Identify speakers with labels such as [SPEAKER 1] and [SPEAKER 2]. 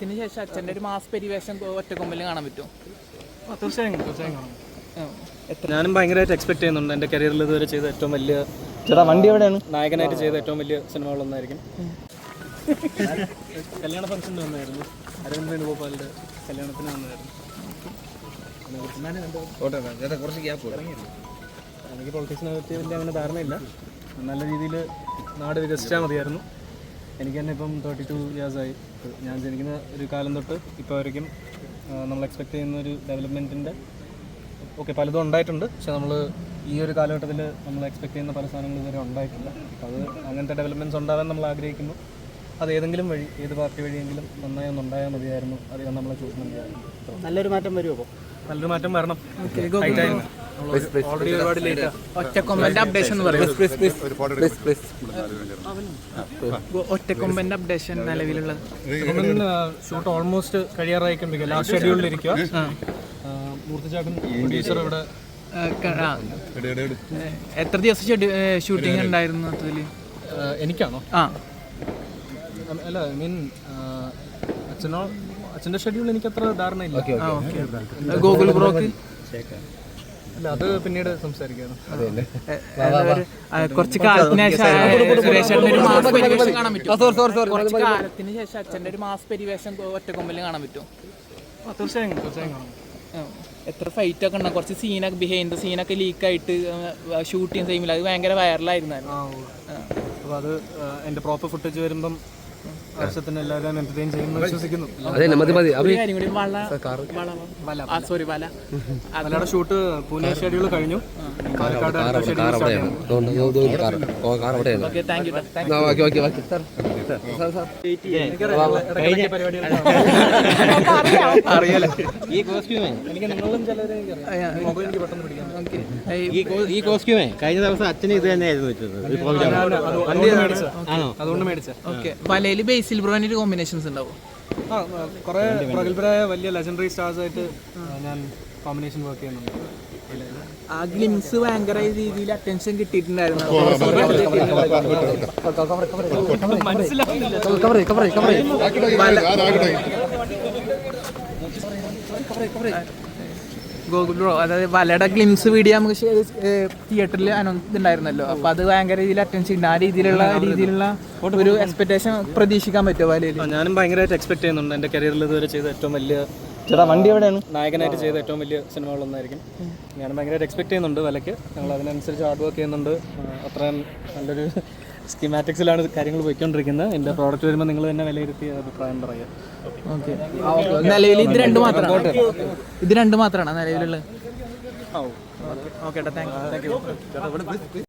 [SPEAKER 1] കാലത്തിന് ശേഷം അച്ഛൻ്റെ ഒരു മാസ് പരിവേഷം ഒറ്റക്കൊമ്പലിൽ കാണാൻ പറ്റുമോ?
[SPEAKER 2] തീർച്ചയായും കാണാം. ഞാനും ഭയങ്കരമായിട്ട് എക്സ്പെക്ട് ചെയ്യുന്നുണ്ട്. എൻ്റെ കരിയറിൽ ഇതുവരെ ചെയ്ത ഏറ്റവും വലിയ വണ്ടി എവിടെയാണ് നായകനായിട്ട് ചെയ്ത ഏറ്റവും വലിയ സിനിമകളൊന്നായിരിക്കും. കല്യാണ ഫംഗ്ഷന് വന്നായിരുന്നു, അരവിന്ദ് വേണുഗോപാലിൻ്റെ കല്യാണത്തിന് വന്നായിരുന്നു. എനിക്ക് പൊളിറ്റിക്സിനെ പറ്റി വലിയ അങ്ങനെ ധാരണയില്ല. നല്ല രീതിയിൽ നാട് വികസിച്ചാൽ മതിയായിരുന്നു. എനിക്ക് തന്നെ ഇപ്പം 32 ഇയേഴ്സായി. ഞാൻ ജനിക്കുന്ന ഒരു കാലം തൊട്ട് ഇപ്പോൾ വരയ്ക്കും നമ്മൾ എക്സ്പെക്ട് ചെയ്യുന്ന ഒരു ഡെവലപ്മെൻറ്റിൻ്റെ പലതും ഉണ്ടായിട്ടുണ്ട്. പക്ഷെ നമ്മൾ ഈ ഒരു കാലഘട്ടത്തിൽ നമ്മൾ എക്സ്പെക്ട് ചെയ്യുന്ന പല സാധനങ്ങളും ഇതുവരെ ഉണ്ടായിട്ടില്ല. അപ്പോൾ അത് അങ്ങനത്തെ ഡെവലപ്മെൻറ്റ്സ് ഉണ്ടാകാൻ നമ്മൾ ആഗ്രഹിക്കുന്നു. അത് ഏതെങ്കിലും വഴി, ഏത് പാർട്ടി വഴിയെങ്കിലും നന്നായി ഒന്നുണ്ടായാൽ മതിയായിരുന്നു. അധികം നമ്മളെ ചൂഷണമില്ലായിരുന്നു.
[SPEAKER 3] നല്ലൊരു മാറ്റം വരുമോ? അപ്പോൾ
[SPEAKER 2] നല്ലൊരു മാറ്റം വരണം. ഓൾറെഡി ഒരുപാട് ലേറ്റ്.
[SPEAKER 1] ഒറ്റക്കൊമ്പന്റെ അപ്ഡേഷൻ എന്ന് പറയും. ഒറ്റക്കൊമ്പന്റെ അപ്ഡേഷൻ നിലവിലുള്ളത്
[SPEAKER 2] ഷൂട്ട് ഓൾമോസ്റ്റ് കഴിയാറായിക്കൊണ്ടിരിക്കുക. ലാസ്റ്റ് ഷെഡ്യൂളിലിരിക്കുക. മൂർത്തിചാട്ടൻ പ്രൊഡ്യൂസർ ഇവിടെ.
[SPEAKER 1] എത്ര ദിവസം ഷൂട്ടിംഗ് ഉണ്ടായിരുന്നു അതില്?
[SPEAKER 2] എനിക്കാണോ? അല്ല, ഐ മീൻ അച്ഛൻ്റെ ഷെഡ്യൂൾ എനിക്കത്ര ധാരണയില്ല.
[SPEAKER 1] ഗൂഗിൾ ബ്രോക്ക്
[SPEAKER 2] അല്ല, അത് പിന്നീട് സംസാരിക്കാണ്.
[SPEAKER 1] കുറച്ച് കാലത്തിന് ശേഷം അച്ഛൻ്റെ ഒരു മാസ് പരിവേഷം ഒറ്റക്കൊമ്പലിൽ കാണാൻ പറ്റുമോ?
[SPEAKER 2] തീർച്ചയായും കാണാം.
[SPEAKER 1] എത്ര ഫൈറ്റ് ഒക്കെ ഉണ്ടാകും? കുറച്ച് സീനൊക്കെ ബിഹൈൻഡ് സീനൊക്കെ ലീക്കായിട്ട് ഷൂട്ടിങ് ടൈമിൽ അത് ഭയങ്കര വൈറലായിരുന്നു.
[SPEAKER 2] അപ്പോൾ അത് എൻ്റെ പ്രോപ്പർ ഫുട്ടേജ് വരുമ്പം ആവശ്യത്തിന് എല്ലാവരും എന്റർടൈൻ ചെയ്യുന്നു വിശ്വസിക്കുന്നു. മലയാള ഷൂട്ട് പൂനെ ഷെഡ്യൂൾ കഴിഞ്ഞു. പാലക്കാട് അറിയാലോ. എനിക്ക് നിങ്ങളും ചിലരെ മൊബൈൽ എനിക്ക് പെട്ടെന്ന് പിടിക്കാം.
[SPEAKER 3] ഈ കോസ്റ്റ്യൂമേ കഴിഞ്ഞ ദിവസം അച്ഛന് ഇത് തന്നെയായിരുന്നു
[SPEAKER 2] അതുകൊണ്ട് മേടിച്ച.
[SPEAKER 1] വലയിൽ ബേസിൽ ബ്രോന്റെ കോമ്പിനേഷൻസ് ഉണ്ടാവും.
[SPEAKER 2] കുറെ പ്രഗത്ഭരായ വലിയ ലെജൻഡറി സ്റ്റാർസ് ആയിട്ട് ഞാൻ കോമ്പിനേഷൻ വർക്ക് ചെയ്യുന്നുണ്ട്.
[SPEAKER 1] ആ ഗ്ലിംസ് ഭയങ്കര രീതിയിൽ അറ്റൻഷൻ കിട്ടിയിട്ടുണ്ടായിരുന്നു. ഗൂഗിൾ ബ്രോ, അതായത് വലയുടെ ഗ്ലിംസ് വീഡിയോ നമുക്ക് തിയേറ്ററിൽ അനൗൺസ് ഉണ്ടായിരുന്നല്ലോ. അപ്പൊ അത് ഭയങ്കര രീതിയിൽ അറ്റൻഷൻ, ആ രീതിയിലുള്ള ഒരു എക്സ്പെക്ടേഷൻ പ്രതീക്ഷിക്കാൻ പറ്റുമോ വലയിൽ?
[SPEAKER 2] ഞാനും ഭയങ്കരമായിട്ട് എക്സ്പെക്ട് ചെയ്യുന്നുണ്ട്. എൻ്റെ കരിയറിൽ ഇതുവരെ ചെയ്ത ഏറ്റവും വലിയ വണ്ടി എവിടെയാണ് നായകനായിട്ട് ചെയ്ത ഏറ്റവും വലിയ സിനിമകളൊന്നായിരിക്കും. ഞാനും ഭയങ്കരമായിട്ട് എക്സ്പെക്ട് ചെയ്യുന്നുണ്ട് വലയ്ക്ക്. ഞങ്ങൾ അതിനനുസരിച്ച് ഹാർഡ് വർക്ക് ചെയ്യുന്നുണ്ട്. അത്രയും നല്ലൊരു സ്കീമാറ്റിക്സിലാണ് കാര്യങ്ങൾ പോയിക്കൊണ്ടിരിക്കുന്നത്. എൻ്റെ പ്രോഡക്റ്റ് വരുമ്പോൾ നിങ്ങൾ തന്നെ വിലയിരുത്തി അഭിപ്രായം പറയുക.
[SPEAKER 1] ഓക്കെ, നിലവിൽ ഇത് രണ്ട് മാത്രമാണ് നിലവിലുള്ളത്.
[SPEAKER 2] Okay, thank U.